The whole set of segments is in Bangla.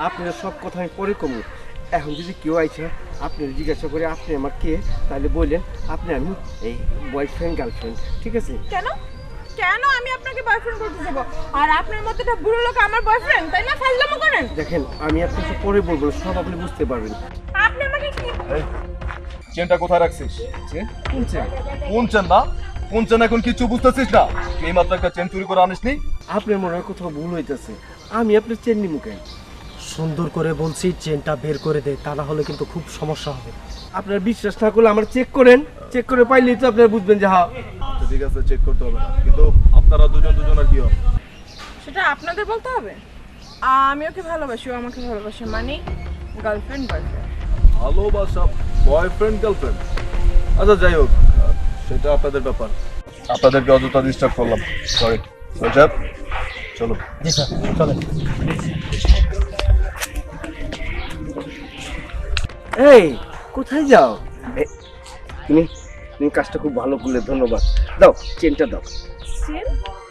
আপনার সব কথা আমি পরে কমু। এখন যদি কেউ আইছে আপনার জিজ্ঞাসা করে আপনি আমার কে, তাহলে বললেন আপনি আমি এই বয়ফ্রেন্ড গার্লফ্রেন্ড, ঠিক আছে? কেন কেন আমি আপনাকে বয়ফ্রেন্ড করতে যাব? আর আপনার মতো একটা বুড়ো লোক আমার বয়ফ্রেন্ড, তাই না? ফাজলামো করেন। দেখেন আমি আপনাকে পরে বলবো, সব আপনি বুঝতে পারবেন। আপনি আমাকে কি চেনটা কোথায় রাখছিস? চেন? কোন চেন? কোন চেন না? কোন চেন এখন কিছু বুঝতেছিস না? এই মাত্র একটা চেন চুরি করে আনিসনি? আপনার মনে হয় কোথাও ভুল হইতেছে। আমি আপনার চেন নিমু কেন? সুন্দর করে বলছি চেনটা বের করে দে, তা না হলে কিন্তু খুব সমস্যা হবে। আপনার বিশ্বাস না করলে আমার চেক করেন, চেক করে পাইলেই তো আপনারা বুঝবেন যে হ্যাঁ। আচ্ছা, ঠিক আছে, চেক করতে হবে না, কিন্তু আপনারা দুজন আর কি হবে? সেটা আপনাদের বলতে হবে। আমি ওকে ভালোবাসি, ও আমাকে ভালোবাসে, মানে গার্লফ্রেন্ড বয়ফ্রেন্ড। ভালোবাসা, বয়ফ্রেন্ড গার্লফ্রেন্ড, আচ্ছা যাই হোক, সেটা আপনাদের ব্যাপার। আপনাদেরকে অযথা ডিস্টার্ব করলাম, সরি। সাহেব চলো। জি স্যার, চলেন। এই কোথায় যাও? তুমি তুমি কাজটা খুব ভালো করলে, ধন্যবাদ। দাও চেনটা দাও। চেন?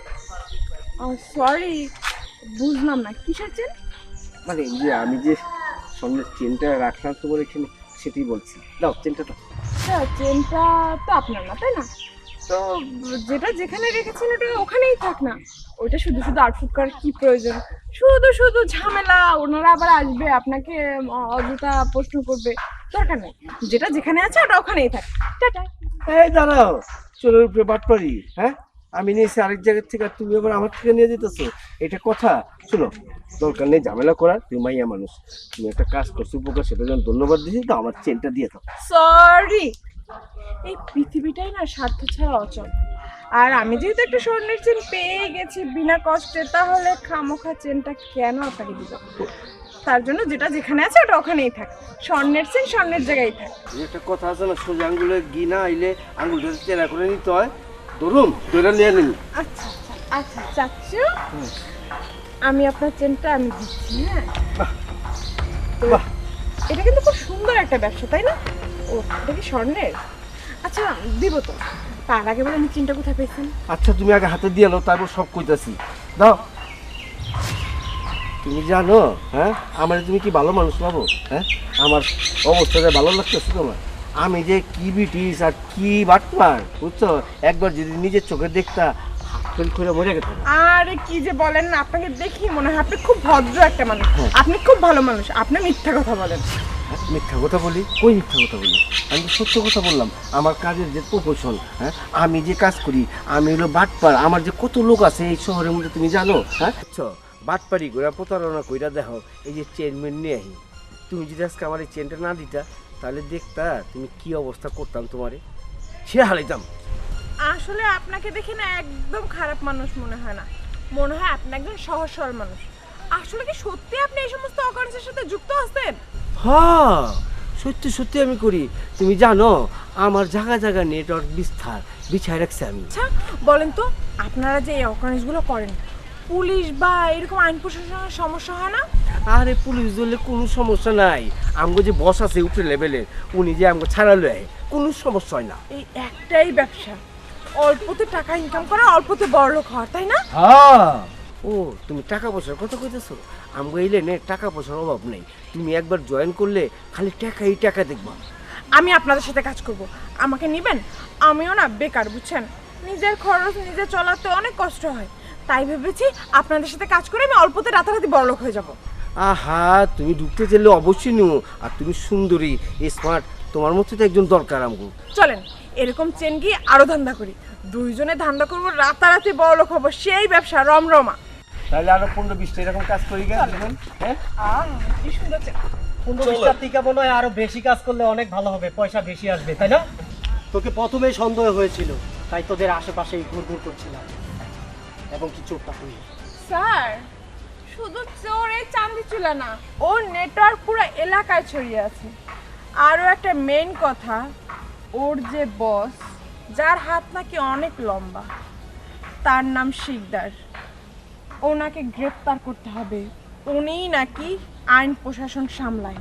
সরি, বুঝলাম না কিসের চেন? মানে এই যে আমি যে সামনের চেনটা রাখলাম তোমার এখানে, সেটাই বলছি। দাও চেনটা দাও। হ্যাঁ, চেনটা তো আপনার না, তাই না? তো যেটা যেখানে রেখেছেন ওটা ওখানেই থাক না। ওইটা শুধু শুধু আউটফুট করার কি প্রয়োজন? শুধু শুধু ঝামেলা, ওনারা আবার আসবে আপনাকে অযথা প্রশ্ন করবে, দরকার নেই। যেটা যেখানে আছে ওটা ওখানেই থাক। টাটা। এই দাঁড়াও, চোরের উপরে বাটপারি, হ্যাঁ? আমি নিয়েছি আরেক জায়গার থেকে, আর তুমি আবার আমার থেকে নিয়ে যেতেছো, এটা কথা? শোনো, দরকার নেই ঝামেলা করার, তুমি মাইয়া মানুষ, তুমি একটা কাজ করছো উপকার, সেটা যেন ধন্যবাদ দিয়েছি, তো আমার চেনটা দিয়ে দাও। সরি, এই পৃথিবীটাই না স্বার্থ ছাড়া অচল। আর আমি যেহেতু একটা স্বর্ণের চেন পেয়ে গেছি বিনা কষ্টে, তাহলে খামোখা চেনটা কেন আপনাকে দিব? তার জন্য যেটা যেখানে আছে ওটা ওখানেই থাক। স্বর্ণের চেন স্বর্ণের জায়গায় থাক। এই একটা কথা আছে না, সোজা আঙ্গুলে ঘি না আইলে আঙ্গুলটা চেরা করে নিতে হয়। ধরুন ধরে নিয়ে নিন। আচ্ছা আচ্ছা আচ্ছা চাচ্ছু, আমি আপনার চেনটা আমি দিচ্ছি। হ্যাঁ, তো বাহ। এটা কিন্তু খুব সুন্দর একটা ব্যবসা, তাই না? ও, এটা কি স্বর্ণের? আচ্ছা, দিব তো। তার আগে বলে আমি চেনটা কোথায় পেয়েছেন? আচ্ছা তুমি আগে হাতে দিয়ে নাও, তারপর সব কইতাছি। দাও। তুমি জানো, হ্যাঁ, আমার তুমি কি ভালো মানুষ পাবো? হ্যাঁ, আমার অবস্থাটা ভালো লাগতেছে তোমার? আমি যে কি ব্রিটিশ আর কি বাটপার, বুঝছো? একবার যদি নিজের চোখে দেখতা, হাত ফেল করে মরে গেত। আরে কি যে বলেন না, আপনাকে দেখি মনে হয় আপনি খুব ভদ্র একটা মানুষ। হ্যাঁ। আপনি খুব ভালো মানুষ, আপনি মিথ্যা কথা বলেন। মিথ্যা কথা বলি? কই মিথ্যা কথা বলি? আমি তো সত্য কথা বললাম। আমার কাজের যে প্রফেশন, হ্যাঁ, আমি যে কাজ করি, আমি হলো বাটপার। আমার যে কত লোক আছে এই শহরের মধ্যে, তুমি জানো? হ্যাঁ, বুঝছো? বাটপারি কইরা প্রতারণা কইরা দেখো, এই যে চেনমেন নিয়ে আহি। তুমি যদি আজকে আমার এই চেনটা না দিতা, তাহলে দেখতা তুমি কি অবস্থা করতাম, তোমারে সে হারাইতাম। আসলে আপনাকে দেখে না একদম খারাপ মানুষ মনে হয় না, মনে হয় আপনি একজন সহজ সরল মানুষ। আসলে কি সত্যি আপনি এই সমস্ত অকারেন্সের সাথে যুক্ত আছেন? হ্যাঁ, সত্যি সত্যি আমি করি। তুমি জানো, আমার জায়গা জায়গা নেটওয়ার্ক বিস্তার বিছায় রাখছি আমি। আচ্ছা বলেন তো, আপনারা যে এই অকারেন্সগুলো করেন, পুলিশ বা এরকম আইন প্রশাসনের সমস্যা হয় না? আরে পুলিশ ধরলে কোনো সমস্যা নাই। আমগো যে বস আছে উপরে লেভেলের, উনি যে আমগো ছাড়ালো, কোনো সমস্যা হয় না। এই একটাই ব্যবসা, অল্পতে টাকা ইনকাম করা, অল্পতে বড়লোক হওয়া, তাই না? হ্যাঁ। ও, তুমি টাকা পয়সার কথা কইতেছো? আমগো এই লেনে টাকা পয়সার অভাব নেই। তুমি একবার জয়েন করলে খালি টাকাই টাকা দেখবা। আমি আপনাদের সাথে কাজ করব, আমাকে নেবেন? আমিও না বেকার, বুঝছেন? নিজের খরচ নিজে চলাতে অনেক কষ্ট হয়, তাই ভেবেছি আপনাদের সাথে কাজ করে আমি অল্পতে রাতারাতি বড়লোক হয়ে যাব। আহা, তুমি ঢুকতে চাইলে অবশ্যই নিও। আর তুমি সুন্দরী, স্মার্ট, তোমার মতো তো একজন দরকার আমগো। চলেন এরকম চেন গিয়ে আরো ধান্দা করি, দুইজনে ধান্দা করবো, রাতারাতি বড়লোক হবো, সেই ব্যবসা রমরমা। তাহলে আরো 15-20টা এরকম কাজ করি গেল। হ্যাঁ, কি সুন্দর চেন। 15-20টার থেকে মনে হয় আরো বেশি কাজ করলে অনেক ভালো হবে, পয়সা বেশি আসবে, তাই না? তোকে প্রথমেই সন্দেহ হয়েছিল, তাই তোদের আশেপাশেই ঘুরঘুর করছিলাম এবং কি চোখটা তুই। স্যার, শুধু চোর এই চাঁদি চুলা না, ওর নেটওয়ার্ক পুরো এলাকায় ছড়িয়ে আছে। আরও একটা মেইন কথা, ওর যে বস, যার হাত নাকি অনেক লম্বা, তার নাম শিকদার, ওনাকে গ্রেপ্তার করতে হবে। উনিই নাকি আইন প্রশাসন সামলায়।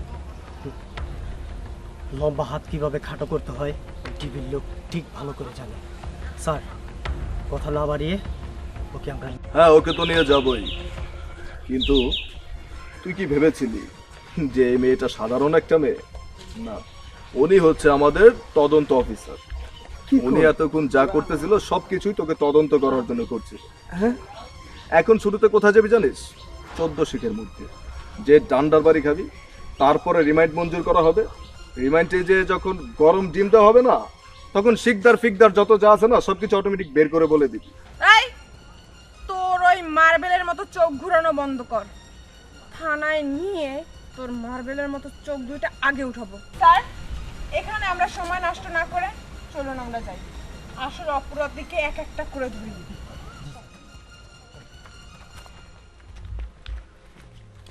লম্বা হাত কিভাবে খাটো করতে হয় টিভির লোক ঠিক ভালো করে জানে। স্যার, কথা না বাড়িয়ে ওকে আমরা হ্যাঁ, ওকে তো নিয়ে যাবই, কিন্তু তুই কি ভেবেছিলি যে এই মেয়েটা সাধারণ একটা মেয়ে? না, উনি হচ্ছে আমাদের তদন্ত অফিসার। উনি এতক্ষণ যা করতেছিল সবকিছুই তোকে তদন্ত করার জন্য করছিল। হ্যাঁ এখন শুরুতে কোথায় যাবি জানিস? 14 শিখের মধ্যে যে ডান্ডার বাড়ি খাবি, তারপরে রিমাইন্ড মঞ্জুর করা হবে। রিমাইন্ডে যে যখন গরম ডিম দেওয়া হবে না, তখন শিকদার ফিকদার যত যা আছে না সবকিছু অটোমেটিক বের করে বলে দিবি। এই তোর ওই মার্বেলের মতো চোখ ঘুরানো বন্ধ কর। থানায় নিয়ে তোর মার্বেলের মতো চোখ দুইটা আগে উঠাবো। স্যার, এখানে আমরা সময় নষ্ট না করে চলুন আমরা যাই। আসল অপরাধীকে এক একটা করে ধরি।